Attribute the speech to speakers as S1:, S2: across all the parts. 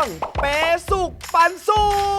S1: งเปสุกปันสุก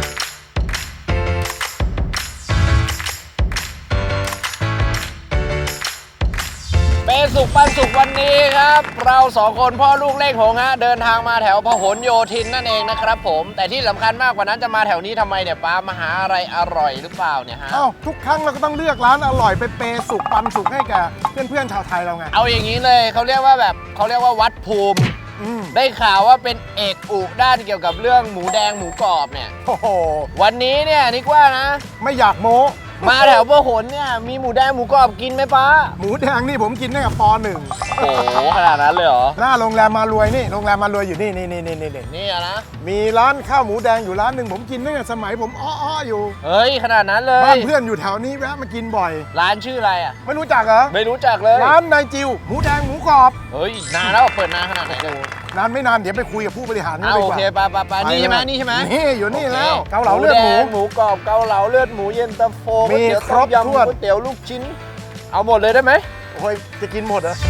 S2: เปสุกปันสุกวันนี้ครับเราสองคนพ่อลูกเลขหงฮะเดินทางมาแถวพหลโยธินนั่นเองนะครับผมแต่ที่สำคัญมากกว่านั้นจะมาแถวนี้ทำไมเนี่ยป้ามาหาอะไรอร่อยหรือเปล่าเนี่ยฮะ
S3: เอ้าทุกครั้งเราก็ต้องเลือกร้านอร่อยไปเปสุกปันสุกให้แกเพื่อนๆชาวไทยเราไง
S2: เอาอย่างนี้เลยเขาเรียกว่าวัดภูมิได้ข่าวว่าเป็นเอกอุด้านเกี่ยวกับเรื่องหมูแดงหมูกรอบเนี่ย
S3: โอ้โห
S2: วันนี้เนี่ยนิกว่านะ
S3: ไม่อยากโม้
S2: มาแถวพหลเนี่ยมีหมูแดงหมูกรอบกินไหมป้า
S3: หมูแดงนี่ผมกินตั้งแต่ป
S2: โอ้โหขนาดนั้นเลยเหรอ
S3: .1 หน้าโรงแรมมารวยนี่โรงแรมมารวยอยู่นี่
S2: นี่อะนะ
S3: มีร้านข้าวหมูแดงอยู่ร้านหนึ่งผมกินตั้งแต่สมัยผมอ้อๆอยู่
S2: เฮ้ยขนาดนั้นเลย
S3: บ้านเพื่อนอยู่แถวนี้แวะมากินบ่อย
S2: ร้านชื่ออะไรอ่ะ
S3: ไม่รู้จักเหรอ
S2: ไม่รู้จักเลย
S3: ร้านนายจิวหมูแดงหมูกรอบ
S2: เฮ้ยนานแล้วเปิดนานขนาดไหนเนี่ย
S3: นานไม่นานเดี๋ยวไปคุยกับผู้บริหารกัน
S2: เอา
S3: ดี
S2: โอก
S3: ว่า
S2: เคไปนี่ใช่ไหมนี่ใช่ไหม
S3: นี่อยู่นี่
S2: โอเค
S3: แล้วเกาเหลาเลือดหมู
S2: แงหมูกรอบเกาเหลาเลือดหมูเย็นตาโฟ
S3: มี
S2: ก๋วยเตี๋ยว
S3: ครบ
S2: ต้มยำ
S3: ถ้วน
S2: ก๋วยเตี๋ยวลูกชิ้น เอาหมดเลยได้ไหม
S3: โอ้ยจะกินหมดเหรอ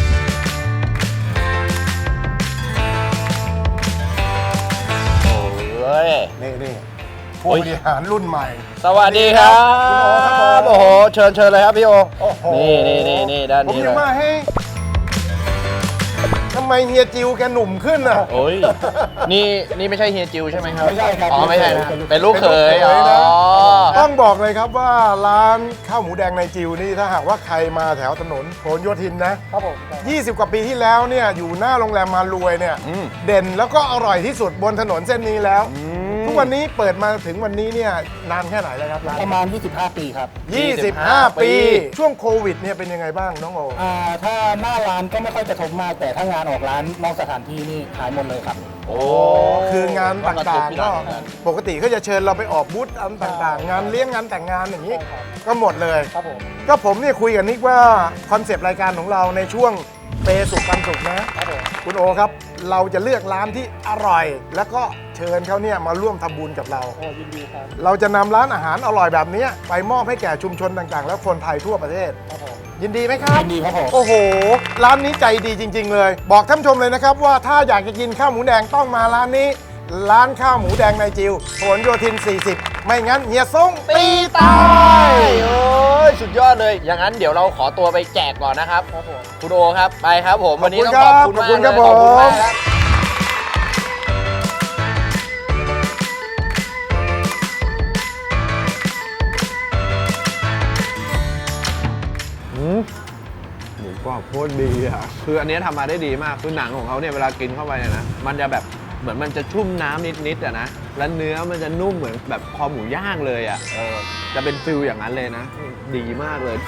S2: โอ้ย
S3: นี่ผู้บริหารรุ่นใหม่
S2: สวัสดีครับ
S3: คุณโอครับผม
S2: โอ้โหเชิญเลยครับพี่โอ
S3: โอ้โห
S2: นี่ด้าน
S3: ผม
S2: นี้
S3: ยัง
S2: เลย
S3: ว่าให้ทำไมเฮียจิวแกหนุ่มขึ้นอ่ะ
S2: โอ้ยนี่ไม่ใช่เฮียจิวใช่ไหมครับ
S3: ไม่ใช่ครับ
S2: อ๋อไม่ใช่นะเป็นลูกเขย
S3: เป็นลูกเขยนะ
S2: อ๋อ
S3: ต้องบอกเลยครับว่าร้านข้าวหมูแดงในจิวนี่ถ้าหากว่าใครมาแถวถนนพหลโยธินนะครับผม20 กว่าปีที่แล้วเนี่ยอยู่หน้าโรงแรมมารวยเนี่ยเด่นแล้วก็อร่อยที่สุดบนถนนเส้นนี้แล้ว ทุกวันนี้เปิดมาถึงวันนี้เนี่ยนานแค่ไหนแล้วครับร้าน
S4: ประมาณ 25 ปีครับ
S3: 25 ปี ช่วงโควิดเนี่ยเป็นยังไงบ้างน้องโอ
S4: ถ้าหน้าร้านก็ไม่ค่อยกระทบมาก แต่ถ้างานออกร้านนอกสถานที่นี่หายหมดเลยครับ
S2: โอ้
S3: คืองานต่างๆก็ปกติก็จะเชิญเราไปออกบูธอันต่างๆ งานเลี้ยงงานแต่งงานอย่างนี้ ก็หมดเลย
S4: ครับผม
S3: ก็ผมเนี่ยคุยกับนิกว่าคอนเซปต์รายการของเราในช่วงเปสุกปันสุกนะครับ
S4: ผม
S3: คุณโอครับ เราจะเลือกร้านที่อร่อย แล้วก็เชิญเขาเนี่ยมาร่วมทำบุญกับเรา
S4: โอ้ยินดีครับ
S3: เราจะนำร้านอาหารอร่อยแบบนี้ไปมอบให้แก่ชุมชนต่างๆ แล้วคนไทยทั่วประเทศ
S4: ครับผม
S3: ยินดีไหมครับ
S4: ยินดีครับผม
S3: โอ้โห ร้านนี้ใจดีจริง ๆ เลย บอกท่านผู้ชมเลยนะครับว่าถ้าอยากจะกินข้าวหมูแดงต้องมาร้านนี้ ร้านข้าวหมูแดงในจิวพหลโยธิน 40 ไม่งั้นเฮียส่งตีตาย
S2: โอ้ยสุดยอดเลย อย่างนั้นเดี๋ยวเราขอตัวไปแจกก่อนนะครับ
S4: ครับผม
S2: คุณโอครับไปครับผมวันนี้ต้อง
S3: ข
S2: ข
S3: อ
S2: อ
S3: บบ คุ
S2: คุณ ณ
S3: ครั
S2: มา
S3: บ
S2: กเลย
S3: ขอบคุณครับ
S2: ขอบคุณมากครับ
S1: หมูกรอบโคตรดีอ่ะคืออันนี้ทำมาได้ดีมากคือหนังของเขาเนี่ยเวลากินเข้าไปเนี่ยนะมันจะแบบเหมือนมันจะชุ่มน้ำนิดๆอ่ะนะแล้วเนื้อมันจะนุ่มเหมือนแบบคอหมูย่างเลยอ่ะจะเป็นฟิลอย่างนั้นเลยนะ ดีมากเลย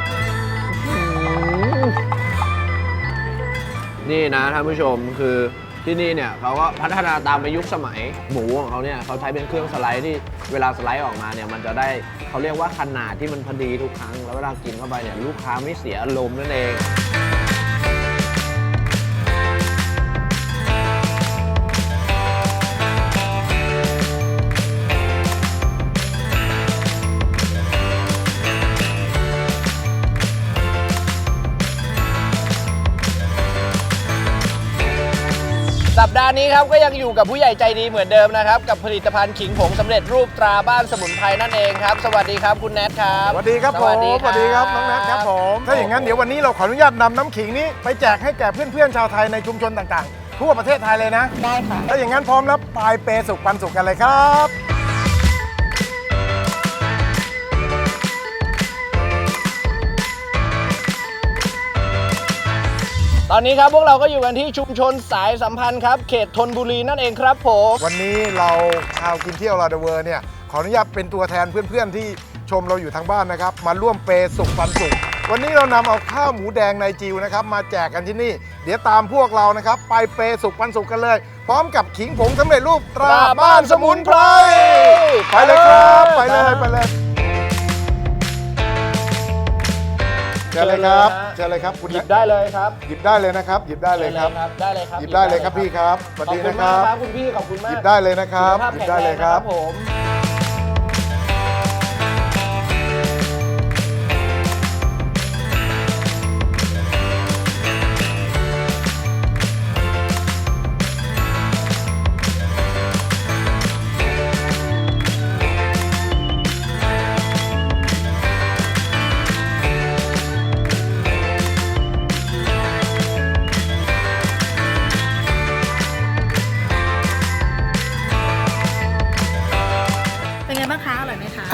S1: นี่นะท่านผู้ชมคือที่นี่เนี่ยเขาก็พัฒนาตามไปยุคสมัยหมูของเขาเนี่ยเขาใช้เป็นเครื่องสไลด์ที่เวลาสไลด์ออกมาเนี่ยมันจะได้เขาเรียกว่าขนาดที่มันพอดีทุกครั้งแล้วเวลากินเข้าไปเนี่ยลูกค้าไม่เสียอารมณ์นั่นเอง
S2: สัปดาห์นี้ครับก็ยังอยู่กับผู้ใหญ่ใจดีเหมือนเดิมนะครับกับผลิตภัณฑ์ขิงผงสำเร็จรูปตราบ้านสมุนไพรนั่นเองครับสวัสดีครับคุณแนทครับ
S3: สวัสดีครับผม สวัสดีครับน้องแนทครับผม ถ้าอย่างนั้นเดี๋ยววันนี้เราขออนุญาตนำน้ำขิงนี้ไปแจกให้แก่เพื่อนๆชาวไทยในชุมชนต่างๆ ทั่วประเทศไทยเลยนะ
S4: ได้ค่ะ
S3: ถ้าอย่างนั้นพร้อมแล้วไปเปสุกปันสุกกันเลยครับ
S2: ตอนนี้ครับพวกเราก็อยู่กันที่ชุมชนสายสัมพันธ์ครับเขตธนบุรีนั่นเองครับผม
S3: วันนี้เราชาวกินเที่ยวลาเดเวอร์เนี่ยขออนุญาตเป็นตัวแทนเพื่อนๆที่ชมเราอยู่ทางบ้านนะครับมาร่วมเปสุกปันสุกวันนี้เรานำเอาข้าวหมูแดงในจิวนะครับมาแจกกันที่นี่ เดี๋ยวตามพวกเรานะครับไปเปสุกปันสุกกันเลย พร้อมกับขิงผงสำเร็จรูปตราบ้านสมุนไพรไปเลยครับไปเลยเชิญเลยครับเชิญเลยครับคุณ
S2: หยิบได้เลยครับ
S3: หยิบได้เลยนะครับหยิบได้เลยครับ
S2: ได้เลยครับ
S3: หยิบได้เลยครับพี่ครับสวัส
S2: ขอบ
S3: ดี
S2: คุณ
S3: นะค
S2: มาก
S3: รับ
S2: ครับคุณพี่ขอบคุณ
S3: ห
S2: มาก
S3: ยิบได้เลยนะครับ
S2: สุขภาพ
S3: หยิบ
S2: แข็ง
S3: ได้
S2: แร
S3: เลย
S2: ง
S3: ครับ
S2: ผม ส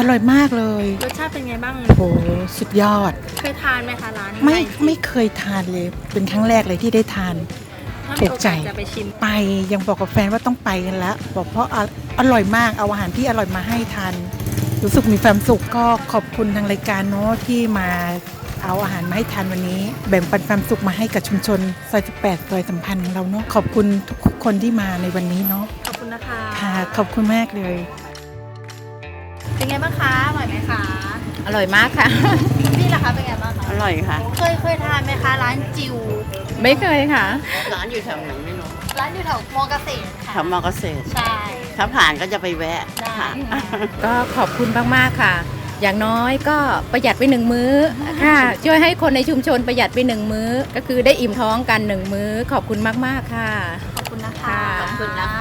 S5: ร่อยมากเลย
S6: รสชาติเป็นไงบ้าง
S5: โอ้สุดยอด
S6: เคยทานไหมคะร้านนี้
S5: ไม่เคยทานเลย เป็นครั้งแรกเลยที่ได้ทาน
S6: ถ้า
S5: ถู
S6: มี
S5: ก
S6: โอ
S5: ใจ
S6: กาสจะไปชิม
S5: ไปยังบอกกับแฟนว่าต้องไปกันแล้วบอกเพราะอร่อยมากเอาอาหารที่อร่อยมาให้ทานรู้สึกมีความสุขก็ขอบคุณทางรายการเนาะที่มาเอาอาหารมาให้ทานวันนี้ แบ่งปันความสุขมาให้กับชุมชนซอย18ซอยสัมพันธ์ของเราเนาะขอบคุณทุกคนที่มาในวันนี้เนาะ
S6: ขอบคุณนะคะ
S5: ค่ะขอบคุณมากเลย
S6: เป็นไงบ้างคะ อร่อยไหมคะ
S7: อร่อยมากค่ะ
S6: พี่ล่ะคะเป็นไงบ้างคะ
S7: อร่อยค่ะ
S6: เคยทานไหมคะ ร้านจิว
S7: ไม่เคยค่ะ ร้านอยู่แถวไหนไม่รู้
S6: ร้านอยู่แถวมอเกษตร
S7: แถ
S6: ค่ะ
S7: วมอเกษตร
S6: ใช่
S7: ถ้าผ่านก็จะไปแวะ
S6: ได้
S7: ค่ะ
S8: ก็ขอบคุณมาก ๆ ค่ะ อย่างน้อยก็ประหยัดไป1 มื้อค่ะ ช่วยให้คนในชุมชนประหยัดไป1 มื้อ ก็คือได้อิ่มท้องกัน1 มื้อ ขอบคุณมาก ๆ ค่ะ
S6: ขอบคุณนะคะ
S8: ค่ะ
S7: ขอบคุณนะคะ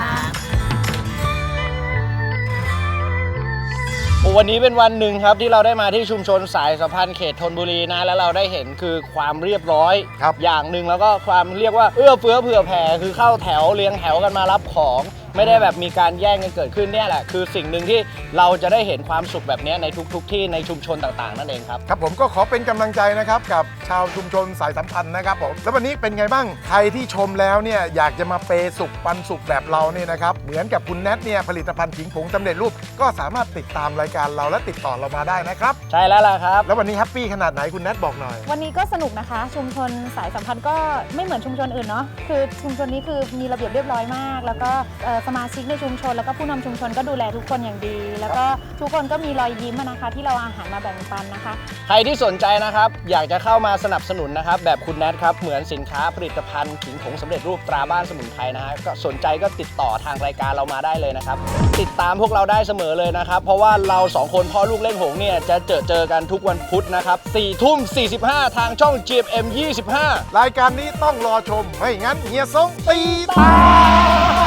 S2: วันนี้เป็นวันหนึ่งครับที่เราได้มาที่ชุมชนสายสัมพันธ์เขตธนบุรีนะแล้วเราได้เห็นคือความเรียบร้อย
S3: ครับ
S2: อย่างหนึ่งแล้วก็ความเรียกว่าเอื้อเฟื้อเผื่อแผ่คือเข้าแถวเรียงแถวกันมารับของ ไม่ได้แบบมีการแย่งกันเกิดขึ้นเนี่ยแหละคือสิ่งหนึ่งที่เราจะได้เห็นความสุขแบบนี้ในทุกที่ในชุมชนต่างๆนั่นเองครับ
S3: ครับผมก็ขอเป็นกำลังใจนะครับกับชาวชุมชนสายสัมพันธ์นะครับผมแล้ววันนี้เป็นไงบ้างใครที่ชมแล้วเนี่ยอยากจะมาเปย์สุขปันสุขแบบเราเนี่ยนะครับเหมือนกับคุณแนทเนี่ยผลิตภัณฑ์ขิงผงสำเร็จรูปก็สามารถติดตามรายการเราและติดต่อเรามาได้นะครับ
S2: ใช่แล้วล่ะครับ
S3: แล้ววันนี้แฮปปี้ขนาดไหนคุณแนทบอกหน่อย
S9: วันนี้ก็สนุกนะคะ ชุมชนสายสัมพันธ์ก็ไม่เหมือนชุมชนอื่นเนาะคือชุมชนนี้คือมีระเบียบเรียบร้อยมาก แล้วก็สมาชิกในชุมชนแล้วก็ผู้นำชุมชนก็ดูแลทุกคนอย่างดี แล้วก็ทุกคนก็มีรอยยิ้มอะนะคะ ที่เราเอาอาหารมาแบ่งปันนะคะ
S2: ใครที่สนใจนะครับอยากจะเข้ามาสนับสนุนนะครับแบบคุณแนทครับเหมือนสินค้าผลิตภัณฑ์ขิงผงสำเร็จรูปตราบ้านสมุนไพรนะฮะก็สนใจก็ติดต่อทางรายการเรามาได้เลยนะครับติดตามพวกเราได้เสมอเลยนะครับเพราะว่าเรา2คนพ่อลูกเล่นหงเนี่ยจะเจอกันทุกวันพุธนะครับ4:45 ทางช่อง GMM 25
S3: รายการนี้ต้องรอชมไม่งั้นเฮียซงตีตาย